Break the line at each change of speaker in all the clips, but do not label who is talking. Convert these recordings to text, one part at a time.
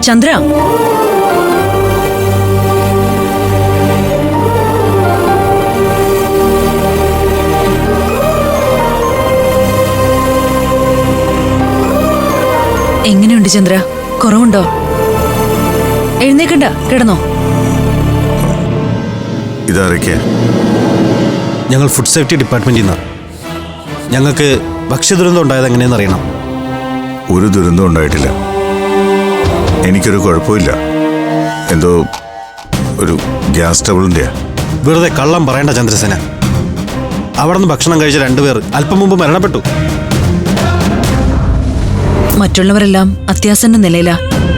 ചന്ദ്ര, എങ്ങനെയുണ്ട് ചന്ദ്ര? കുറവുണ്ടോ? എഴുന്നേക്കണ്ട, കിടന്നോ.
ഇതാരൊക്കെയാ?
ഞങ്ങൾ ഫുഡ് സേഫ്റ്റി ഡിപ്പാർട്ട്മെന്റിൽ നിന്നാണ്. ഞങ്ങൾക്ക് ഭക്ഷ്യദുരന്തം ഉണ്ടായത് എങ്ങനെയെന്ന് അറിയണം.
ഒരു ദുരന്തം ഉണ്ടായിട്ടില്ല. എനിക്കൊരു കുഴപ്പമില്ല. എന്തോ ഒരു ഗ്യാസ് ട്രബിളിൻ്റെയാ.
വെറുതെ കള്ളം പറയേണ്ട ചന്ദ്രസേന. അവിടെ നിന്ന് ഭക്ഷണം കഴിച്ച 2 പേർ അല്പം മുമ്പ് മരണപ്പെട്ടു.
മറ്റുള്ളവരെല്ലാം അത്യാസന്ന നിലയിലാ.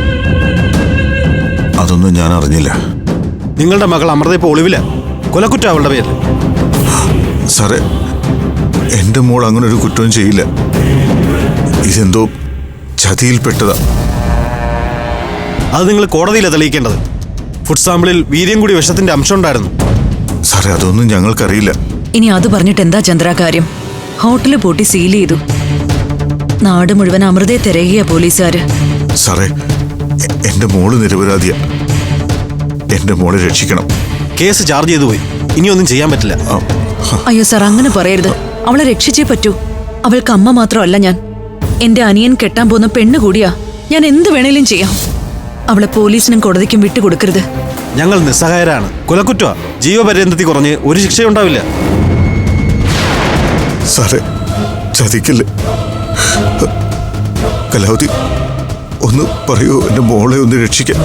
അതൊന്നും ഞാൻ അറിഞ്ഞില്ല.
നിങ്ങളുടെ മകൾ അമൃത ഇപ്പോൾ ഒളിവില്ല. കൊലക്കുറ്റം അവളുടെ പേരിൽ.
സാറേ, എൻ്റെ മോൾ അങ്ങനെ ഒരു കുറ്റവും ചെയ്യില്ല. ഇതെന്തോ ചതിയിൽപ്പെട്ടതാ.
അത് നിങ്ങൾ കോടതിയിലാണ് തെളിയിക്കേണ്ടത്. ഫുഡ് സാമ്പിളിൽ വീര്യം കൂടി വിഷത്തിന്റെ അംശം ഉണ്ടായിരുന്നു.
സാറേ, അതൊന്നും ഞങ്ങൾക്കറിയില്ല.
ഇനി അത് പറഞ്ഞിട്ട് എന്താ ചന്ദ്ര കാര്യം? ഹോട്ടല് പൂട്ടി സീൽ ചെയ്തു. നാട് മുഴുവൻ അമൃതയെ തിരയുക പോലീസുകാര്.
സാറേ, എൻ്റെ മോള് നിരപരാധിയാ. എൻ്റെ മോളെ രക്ഷിക്കണം.
കേസ് ചാർജ് ചെയ്തു പോയി. ഇനിയൊന്നും ചെയ്യാൻ പറ്റില്ല.
അയ്യോ സാർ, അങ്ങനെ പറയരുത്. അവളെ രക്ഷിച്ചേ പറ്റൂ. അവൾക്ക് അമ്മ മാത്രമല്ല ഞാൻ. എന്റെ അനിയൻ കെട്ടാൻ പോകുന്ന പെണ്ണ് കൂടിയാ. ഞാൻ എന്ത് വേണേലും ചെയ്യാം. അവളെ പോലീസിനും കോടതിക്കും വിട്ടുകൊടുക്കരുത്.
ഞങ്ങൾ നിസ്സഹായരാണ്. കൊലക്കുറ്റ ജീവപര്യന്തത്തിൽ കുറഞ്ഞ് ഒരു ശിക്ഷയുണ്ടാവില്ല.
സാറേ, ചതിക്കല്ലേ. കലാവതി, ഒന്ന് പറയൂ, എൻ്റെ മോളെ ഒന്ന് രക്ഷിക്കാൻ.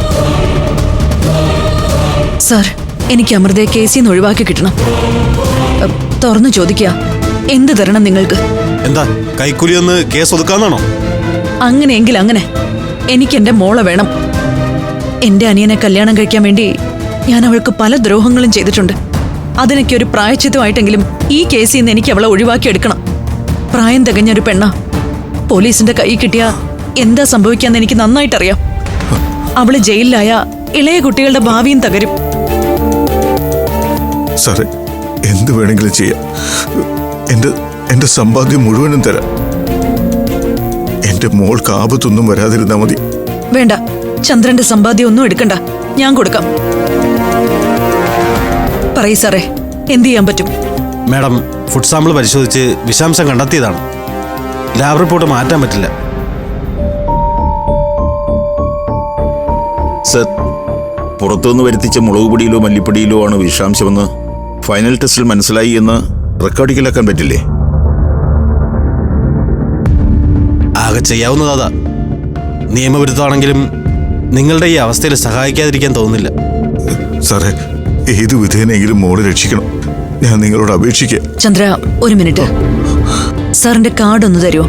സാർ, എനിക്ക് അമൃതയെ കേസിൽ നിന്ന് ഒഴിവാക്കി കിട്ടണം. തുറന്നു ചോദിക്കുക, എന്ത് തരണം നിങ്ങൾക്ക്?
എന്താ കൈക്കൂലി ഒന്ന് കേസ് ഒതുക്കാന്നാണോ?
അങ്ങനെയെങ്കിൽ അങ്ങനെ. എനിക്ക് എന്റെ മോളെ വേണം. എന്റെ അനിയനെ കല്യാണം കഴിക്കാൻ വേണ്ടി ഞാൻ അവൾക്ക് പല ദ്രോഹങ്ങളും ചെയ്തിട്ടുണ്ട്. അതിനൊക്കെ ഒരു പ്രായശ്ചിത്തമായിട്ടെങ്കിലും ഈ കേസിൽ നിന്ന് എനിക്ക് അവളെ ഒഴിവാക്കിയെടുക്കണം. പ്രായം തികഞ്ഞൊരു പെണ്ണ. പോലീസിന്റെ കൈ കിട്ടിയ എന്താ സംഭവിക്കാന്ന് എനിക്ക് നന്നായിട്ടറിയാം. അവള് ജയിലിലായ ഇളയ കുട്ടികളുടെ ഭാവിയും തകരും.
സാറേ, എന്ത് വേണമെങ്കിലും ചെയ്യാം. എന്റെ സമ്പാദ്യം മുഴുവനും തരാം. എന്റെ മോൾക്ക് ആപത്തൊന്നും വരാതിരുന്നാ മതി.
വേണ്ട, ചന്ദ്രന്റെ സമ്പാദ്യം ഒന്നും എടുക്കണ്ട, ഞാൻ കൊടുക്കാം. പറയൂ സാറേ, എന്ത് ചെയ്യാൻ പറ്റും?
മാഡം, ഫുഡ് സാമ്പിൾ പരിശോധിച്ച് വിഷാംശം കണ്ടെത്തിയതാണ്. ലാബ് റിപ്പോർട്ട് മാറ്റാൻ പറ്റില്ല.
സർ, പുറത്തുനിന്ന് വരുത്തിച്ച മുളക് പൊടിയിലോ മല്ലിപ്പൊടിയിലോ ആണ് വിഷാംശമെന്ന് ഫൈനൽ ടെസ്റ്റിൽ മനസ്സിലായി എന്ന് റെക്കോർഡിങ്ങിലാക്കാൻ പറ്റില്ലേ?
ആകെ ചെയ്യാവുന്നതാ. നിയമവിരുദ്ധമാണെങ്കിലും നിങ്ങളുടെ ഈ അവസ്ഥയിൽ സഹായിക്കാതിരിക്കാൻ തോന്നുന്നില്ല.
സാറേ, ഏത് വിധേനെങ്കിലും മോളെ രക്ഷിക്കണം. ഞാൻ നിങ്ങളോട് അപേക്ഷിക്കുക.
ചന്ദ്ര, ഒരു മിനിറ്റ്. സാറിന്റെ കാർഡ് ഒന്ന് തരുമോ?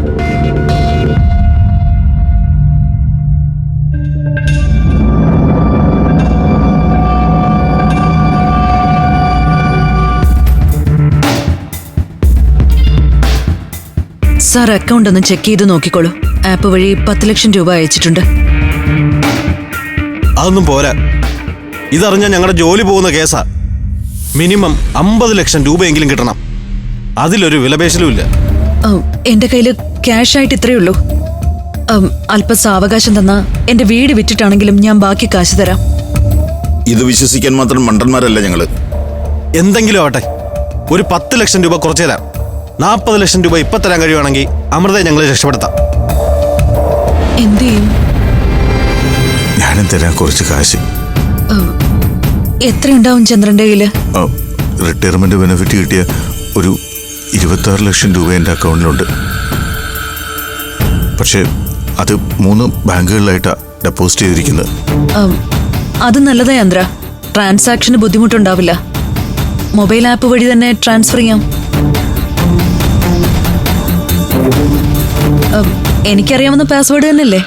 സാർ, അക്കൗണ്ട് ഒന്ന് ചെക്ക് ചെയ്ത് നോക്കിക്കോളൂ. ആപ്പ് വഴി 10 ലക്ഷം രൂപ അയച്ചിട്ടുണ്ട്.
അതൊന്നും പോരാ. ഇതറിഞ്ഞാൽ ഞങ്ങളുടെ ജോലി പോകുന്ന കേസാ. മിനിമം 50 ലക്ഷം രൂപയെങ്കിലും കിട്ടണം. അതിലൊരു വിലപേശലുമില്ല.
എന്റെ കയ്യില് ക്യാഷ് ആയിട്ട് ഇത്രയേ ഉള്ളൂ. അല്പ സാവകാശം തന്നാ എന്റെ വീട് വിറ്റിട്ടാണെങ്കിലും ഞാൻ ബാക്കി കാശ് തരാം.
ഇത് വിശ്വസിക്കാൻ മാത്രം മണ്ടന്മാരല്ല ഞങ്ങള്.
എന്തെങ്കിലും ആവട്ടെ, ഒരു 10 ലക്ഷം രൂപ കുറച്ചു തരാം. 40 ലക്ഷം രൂപ ഇപ്പൊ തരാൻ കഴിയുവാണെങ്കിൽ അമൃതയെ ഞങ്ങൾ രക്ഷപ്പെടുത്താം.
എന്ത് ചെയ്യും?
ഞാനും തരാൻ കുറച്ച് കാശ്.
എത്രയുണ്ടാവും ചന്ദ്രന്റെ കയ്യില്?
റിട്ടയർമെന്റ് ബെനിഫിറ്റ് കിട്ടിയ ഒരു 26 ലക്ഷം രൂപ എൻ്റെ അക്കൗണ്ടിലുണ്ട്. പക്ഷേ അത് 3 ബാങ്കുകളിലായിട്ടാണ് ഡെപ്പോസിറ്റ് ചെയ്തിരിക്കുന്നത്.
അത് നല്ലതാ ചന്ദ്ര. ട്രാൻസാക്ഷന് ബുദ്ധിമുട്ടുണ്ടാവില്ല. മൊബൈൽ ആപ്പ് വഴി തന്നെ ട്രാൻസ്ഫർ ചെയ്യാം. എനിക്കറിയാവുന്ന പാസ്വേഡ് തന്നെയല്ലേ?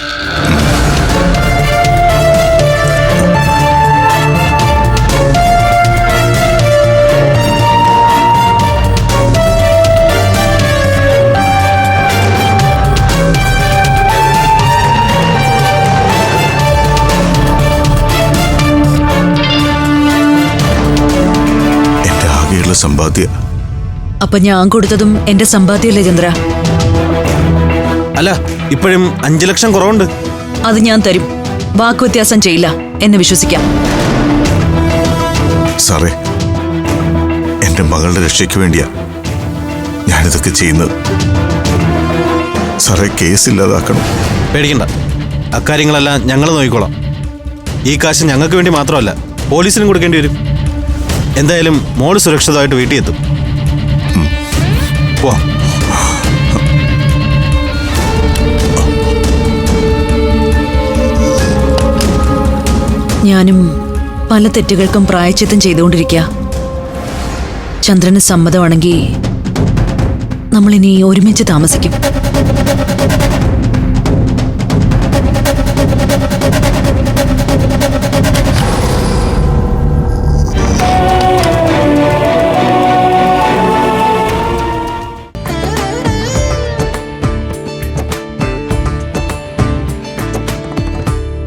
എൻ്റെ ആകെയുള്ള സമ്പാദ്യ.
അപ്പൊ ഞാൻ കൊടുത്തതും എന്റെ സമ്പാദ്യമല്ലേ ചന്ദ്ര?
അല്ല, ഇപ്പോഴും 5 ലക്ഷം കുറവുണ്ട്.
അത് ഞാൻ തരും. വാക്കുവ്യത്യാസം ചെയ്യില്ല എന്ന് വിശ്വസിക്കാം.
സാറേ, എന്റെ മകളുടെ രക്ഷയ്ക്ക് വേണ്ടിയാ ഞാനിതൊക്കെ ചെയ്യുന്നത്. സാറേ, കേസ് ഇല്ലാതാക്കണം.
പേടിക്കണ്ട, അക്കാര്യങ്ങളെല്ലാം ഞങ്ങൾ നോക്കിക്കോളാം. ഈ കാശ് ഞങ്ങൾക്ക് വേണ്ടി മാത്രമല്ല, പോലീസിനും കൊടുക്കേണ്ടി വരും. എന്തായാലും മോള് സുരക്ഷിതമായിട്ട് വീട്ടിൽ എത്തും. വാ.
ഞാനും പല തെറ്റുകൾക്കും പ്രായശ്ചിത്തം ചെയ്തുകൊണ്ടിരിക്കുക. ചന്ദ്രന് സമ്മതമാണെങ്കിൽ നമ്മളിനി ഒരുമിച്ച് താമസിക്കും.